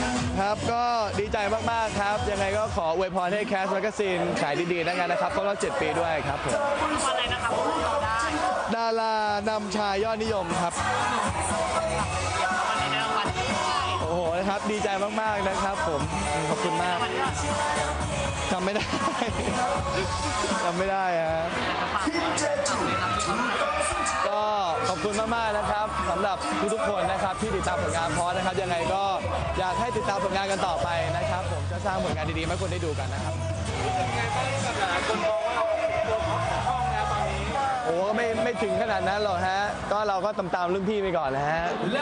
ครับก็ดีใจมากๆครับยังไงก็ขออวยพรให้แคสแมกกาซีนขายดีๆนะครับครบรอบ7 ปีด้วยครับผมวันไหนนะครับเราได้ดารานำชายยอดนิยมครับวันนี้ได้รางวัลโอ้โหนะครับดีใจมากๆนะครับผมขอบคุณมากจำไม่ได้ จำไม่ได้ฮะก็ขอบคุณมากๆนะครับสำหรับทุกๆคนนะครับที่ติดตามผลงานพอนะครับยังไงก็อยากให้ติดตามผลงานกันต่อไปนะครับผมจะสร้างผลงานดีๆให้คนได้ดูกันนะครับคนมองว่าเราตัวท็อปของช่องนะตอนนี้โอ้ไม่ถึงขนาดนั้นหรอกฮะก็เราก็ตามรุ่นพี่ไปก่อนนะฮะ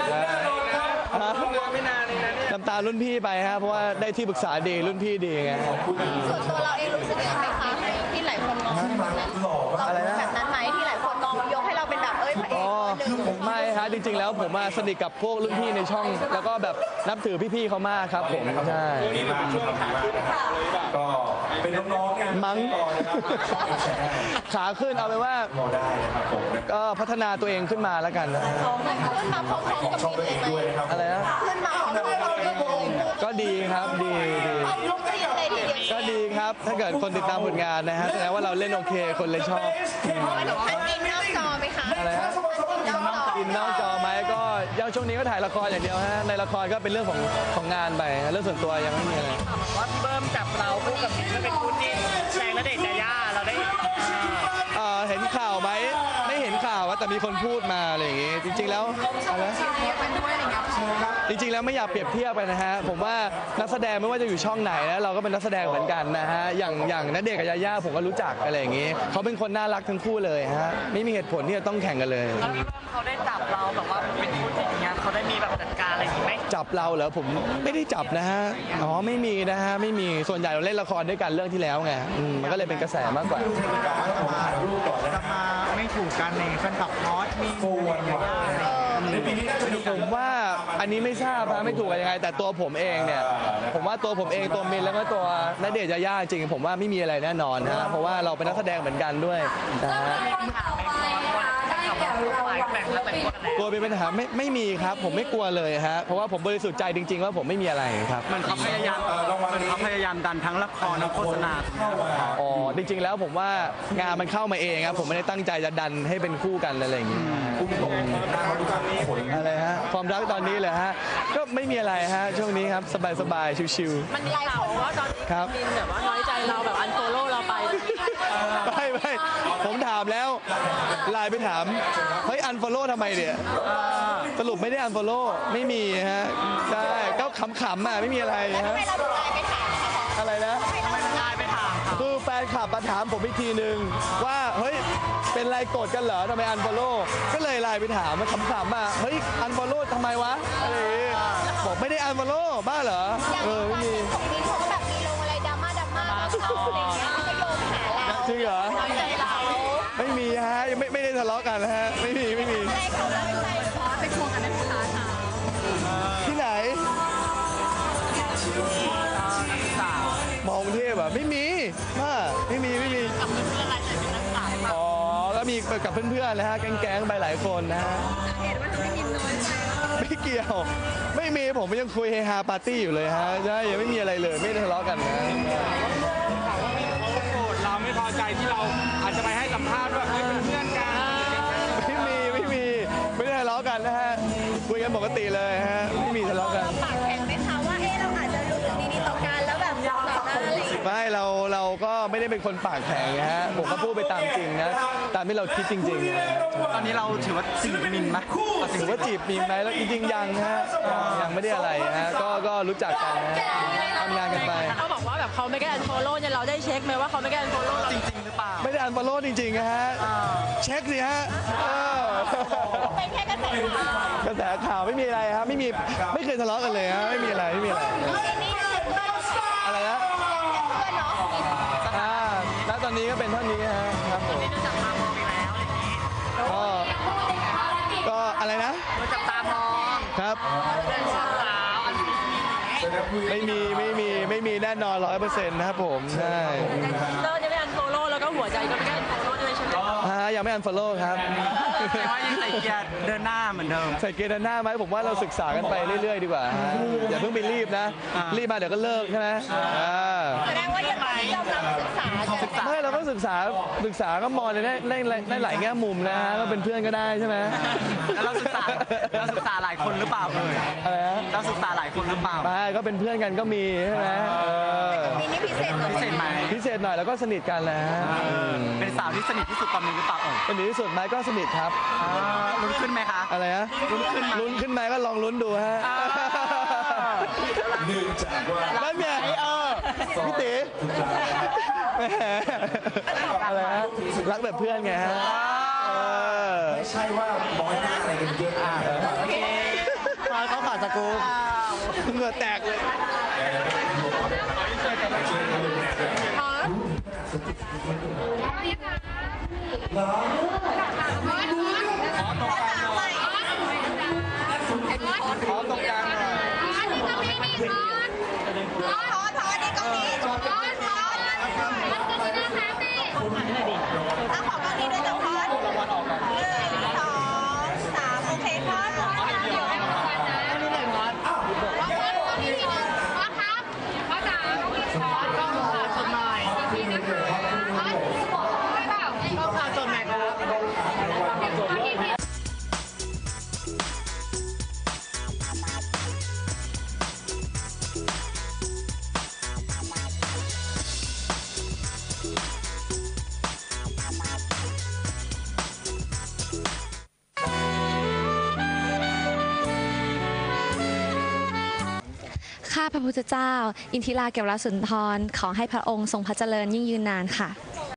ไม่นานเลยนะเนี่ยตามรุ่นพี่ไปฮะเพราะว่าได้ที่ปรึกษาดีรุ่นพี่ดีไงส่วนตัวเราเองรู้สึกยังไงคะที่หลายคนมองแบบนั้นเราแบบนั้นไหมที่หลายคนมองยกให้เราเป็นแบบพระเอกไม่ฮะจริงๆแล้วผมมาสนิทกับพวกรุ่นพี่ในช่องแล้วก็แบบนับถือพี่ๆเขามากครับผมใช่ก็เป็นน้องๆกันมั้งขาขึ้นเอาไปว่าก็พัฒนาตัวเองขึ้นมาแล้วกันนะขึ้นมาพร้อมๆกับมินเลยไหมอะไรนะขึ้นมาพร้อมๆกับมินก็ดีครับดีก็ดีครับถ้าเกิดคนติดตามผลงานนะฮะแสดงว่าเราเล่นโอเคคนเลยชอบอันอินนอกจอไหมคะอะไรฮะอินนอกจอไหมก็ยังช่วงนี้ก็ถ่ายละครอย่างเดียวฮะในละครก็เป็นเรื่องของงานไปเรื่องส่วนตัวยังไม่มีอะไรว่าพี่เบิ้มจับเราคู่กับมินเป็นคู่จิ้นแรงและเด็กยาย่าเราได้เห็นข่าวไหมไม่เห็นข่าวว่าแต่มีคนพูดมาอะไรอย่างงี้จริงๆแล้วอะไรจริงๆแล้วไม่อยากเปรียบเทียบไปนะฮะผมว่านักแสดงไม่ว่าจะอยู่ช่องไหนนะเราก็เป็นนักแสดงเหมือนกันนะฮะอย่างณเดชน์กับยาย่าผมก็รู้จักอะไรอย่างงี้เขาเป็นคนน่ารักทั้งคู่เลยฮะไม่มีเหตุผลที่จะต้องแข่งกันเลยแล้วพี่เบิ้มเขาได้จับเราแบบว่าเป็นคู่จิ้นอย่างเงี้ยเขาได้มีแบบจัดการอะไรอย่างงี้ไหมจับเราเหรอผมไม่ได้จับนะฮะอ๋อไม่มีนะฮะไม่มีส่วนใหญ่เราเล่นละครด้วยกันเรื่องที่แล้วไงมันก็เลยเป็นกระแสมากกว่าจะมาไม่ถูกกันในแฟนคลับฮอตมีผมว่าอันนี้ไม่ทราบนะไม่ถูกกันยังไงแต่ตัวผมเองเนี่ยผมว่าตัวผมเองตัวมินแล้วก็ตัวณเดชน์ยาย่าจริงผมว่าไม่มีอะไรแน่นอนนะเพราะว่าเราเป็นนักแสดงเหมือนกันด้วยนะฮะกลัวเป็นปัญหาไม่มีครับผมไม่กลัวเลยฮะเพราะว่าผมบริสุทธิ์ใจจริงๆว่าผมไม่มีอะไรครับมันเขาพยายามดันทั้งละครทั้งโฆษณาอ๋อจริงๆแล้วผมว่างานมันเข้ามาเองครับผมไม่ได้ตั้งใจจะดันให้เป็นคู่กันอะไรอย่างงี้อะไรฮะความรักตอนนี้เลยฮะก็ไม่มีอะไรฮะช่วงนี้ครับสบายๆชิวๆมันมีข่าวว่าตอนมินแบบว่าน้อยใจเราแบบอันโฟโล่เราไปไม่ผมถามแล้วไลน์ไปถามเฮ้ยอันโฟโล่ทำไมเนี่ยสรุปไม่ได้อันโฟโล่ไม่มีฮะใช่ก็ขำๆอ่ะไม่มีอะไรฮะอะไรนะคือแฟนคลับมาถามผมอีกทีนึงว่าเฮ้ยเป็นไรโกรธกันเหรอทำไมอันโฟโล่ก็เลยไลน์ไปถามมาขำๆอ่ะเฮ้ยอันโฟโล่ทำไมวะอะไรบอกไม่ได้อันโฟโล่บ้าเหรอไม่มีของมินเขาแบบมีลงอะไรดราม่าเขาอะไรเงี้ยก็โยงหาเราจริงเหรอไม่มีฮะยังไม่ได้ทะเลาะกันฮะไม่มีไปทวงกันนั้นค่ะที่ไหนมองเทพอ่ะไม่มีไม่มีกับเพื่อนอะไรแต่เป็นนักศึกษาอ๋อแล้วมีกับเพื่อนๆนะฮะแก๊งๆไปหลายคนนะฮะเห็นว่าทำให้มินน้อยใจไม่เกี่ยวไม่มีผมยังคุยเฮฮาปาร์ตี้อยู่เลยฮะใช่ยังไม่มีอะไรเลยไม่ได้ทะเลาะกันนะเราไม่พอใจที่เราอาจจะไปให้สัมภาษณ์ว่าเป็นเพื่อนกันไม่ได้ทะเลาะกันนะฮะคุยกันปกติเลยฮะไม่มีทะเลาะกันปากแข็งไหมคะว่าเราอาจจะรู้สึกดีๆต่อกันแล้วแบบต่อหน้าอะไรไม่เราก็ไม่ได้เป็นคนปากแข็งฮะผมก็พูดไปตามจริงนะตามที่เราคิดจริงๆตอนนี้เราถือว่าจีบมินไหมถือว่าจีบมินไหมแล้วจริงๆยังฮะยังไม่ได้อะไรฮะก็รู้จักกันนะทำงานกันไปเขาบอกว่าแบบเขาไม่ได้อันโฟโล่เนี่ยเราได้เช็คไหมว่าเขาไม่ได้อันโฟโล่จริงๆหรือเปล่าไม่ได้อันโฟโล่จริงๆฮะเช็คสิฮะเป็นแค่กระแสข่าวไม่มีอะไรครับไม่เคยทะเลาะกันเลยฮะไม่มีอะไรอะไรนะแล้วตอนนี้ก็เป็นเท่านี้ฮะครับผมก็อะไรนะจับตามองครับไม่มีแน่นอน 100%นะครับผมใช่เลิกจะไม่อันโฟโล่แล้วก็หัวใจก็ไม่ได้อันโฟโล่ด้วยใช่ไหมยังไม่อันฟอลโล่ครับแต่ว่ายังใส่เกียร์เดินหน้าเหมือนเดิมใส่เกณฑ์เดินหน้าไหมผมว่าเราศึกษากันไปเรื่อยๆดีกว่าฮะอย่าเพิ่งไปรีบนะ รีบมาเดี๋ยวก็เลิกใช่ไหมแสดงว่ายังไม่กำลังศึกษากันไม่เราก็ศึกษาก็มองในหลายแง่มุมนะฮะก็เป็นเพื่อนก็ได้ใช่ไหมแล้วเราศึกษาหลายคนหรือเปล่าเอ่ยอะไรนะเราศึกษาหลายคนหรือเปล่าไม่ก็เป็นเพื่อนกันก็มีใช่ไหมมีนี่พิเศษกว่าพิเศษไหมพิเศษหน่อยแล้วก็สนิทกันแหล้วเป็นสาวที่สนิทที่สุดตอนนี้หรือเปล่าเอ่ยสนิทที่สุดไหมก็สนิทครับลุ้นขึ้นไหมคะอะไรฮะลุ้นขึ้นไหมลุ้นขึ้นไหมก็ลองลุ้นดูฮะเนื่องจากว่านั่นไงพี่ตีแหมอะไรฮะรักแบบเพื่อนไงฮะไม่ใช่ว่าน้อยหน้าอะไรกันเยอะมาเขาขาดสกูเหงื่อแตกเลย ขอตรงกลางหน่อยทอดนี่ก็มีถ้าของตรงนี้ด้วยจะทอด1 2 3โอเคทอดข้าพระพุทธเจ้า อินทิราเกวรสุนทร ขอให้พระองค์ทรงพระเจริญยิ่งยืนนานค่ะ